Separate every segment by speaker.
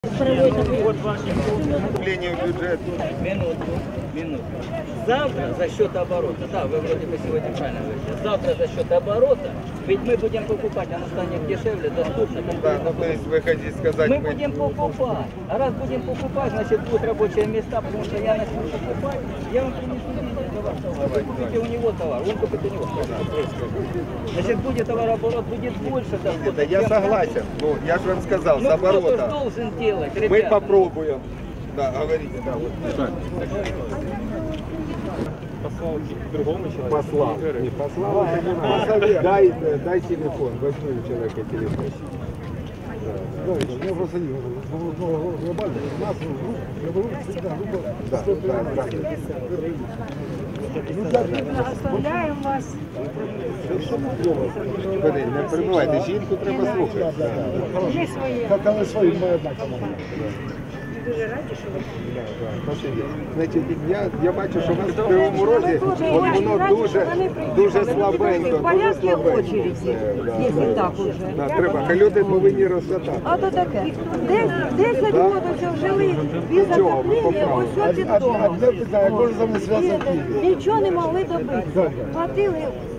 Speaker 1: Вот ваше вступление в бюджет. Минуту. Завтра за счет оборота, да, вы вроде бы сегодня правильно говорите, завтра за счет оборота, ведь мы будем покупать, оно станет дешевле, доступно.
Speaker 2: Да, ну то есть вы хотите сказать...
Speaker 1: Мы будем покупать, а раз будем покупать, значит будут рабочие места, потому что я начну покупать, я вам принесу деньги за ваш товар, вы купите у него товар, он купит у него. Значит будет товарооборот, будет больше дохода.
Speaker 2: Да, я согласен, ну я же вам сказал, с
Speaker 1: кто-то
Speaker 2: оборота.
Speaker 1: должен делать, ребята.
Speaker 2: Мы попробуем. Да, говорите, да, вот.
Speaker 3: Послал к другому человеку.
Speaker 2: Послал. Не послал, дай телефон, возьми у человека телефон.
Speaker 4: Я просто не глобально. У нас всегда
Speaker 5: Оставляем вас.
Speaker 2: Не перебувайте, жінку треба слухати.
Speaker 5: Є своє.
Speaker 4: Как она свои, моя одна команда.
Speaker 5: Дуже раді, що ви.
Speaker 2: Значить, я бачу, що у вас в Кривому Розі воно дуже слабенько, дуже слабенько.
Speaker 5: Якщо так уже.
Speaker 2: Да, треба, люди повинні розсадати.
Speaker 5: А то таке. 10 років жили без отоплення, ось от і вдома.
Speaker 4: Одне питання, як може за мною зв'язано в Києві?
Speaker 5: Нічого не могли добити. Платили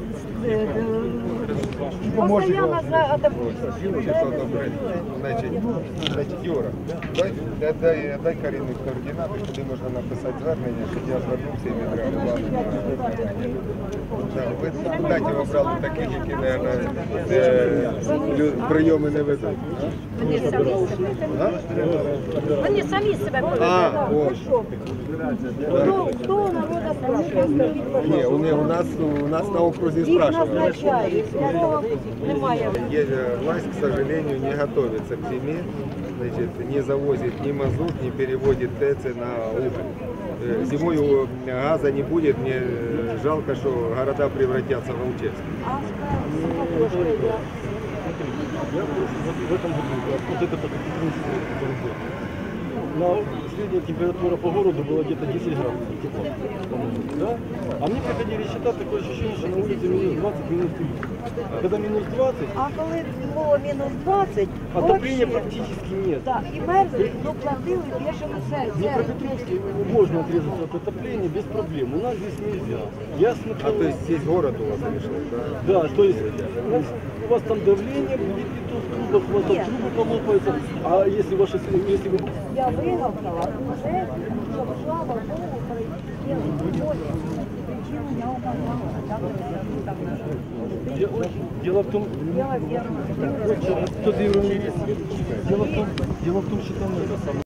Speaker 5: постоянно за отоплення.
Speaker 2: Значить, Юра, дай Каріні координати, куди можна написати звернення, щоб я звернувся і відреагував. Ви депутатів обрали таких, які, мабуть, прийоми не ведуть.
Speaker 5: Вони самі себе
Speaker 2: ось.
Speaker 5: Хто у народу спрашиває?
Speaker 2: Ні, у нас на окрузі
Speaker 5: Їх
Speaker 2: спрашивают.
Speaker 5: назначають, свого немає.
Speaker 2: Власть, к сожалению, не готовится к зиме, значит, не завозит ни мазут, не переводит ТЭЦ на уголь. Зимой газа не будет, мне жалко, что города превратятся в Волчевск.
Speaker 3: Я в этом году, вот это средняя температура по городу была где-то 10 градусов тепла, да? А мне приходили счета, такое ощущение, что на улице минус 20, минус 30. Когда минус 20,
Speaker 5: А коли було мінус 20,
Speaker 3: отопления
Speaker 5: вообще,
Speaker 3: практически нет.
Speaker 5: да, і мерзли, ну платили бешено
Speaker 3: В
Speaker 5: серце.
Speaker 3: Днепропетровске можно отрезаться от отопления без проблем, у нас здесь нельзя. Я смотрел...
Speaker 2: А то есть здесь город у вас решил, да?
Speaker 3: Да, то есть у вас там давление будет не то в трубах, у вас там трубы полопаются, а если ваши... Если вы...
Speaker 5: Я вигавкала уже, щоб, слава Богу, прийняли причину я указала.
Speaker 3: Дело в том,
Speaker 5: Я,
Speaker 3: дело в том, что там это самое.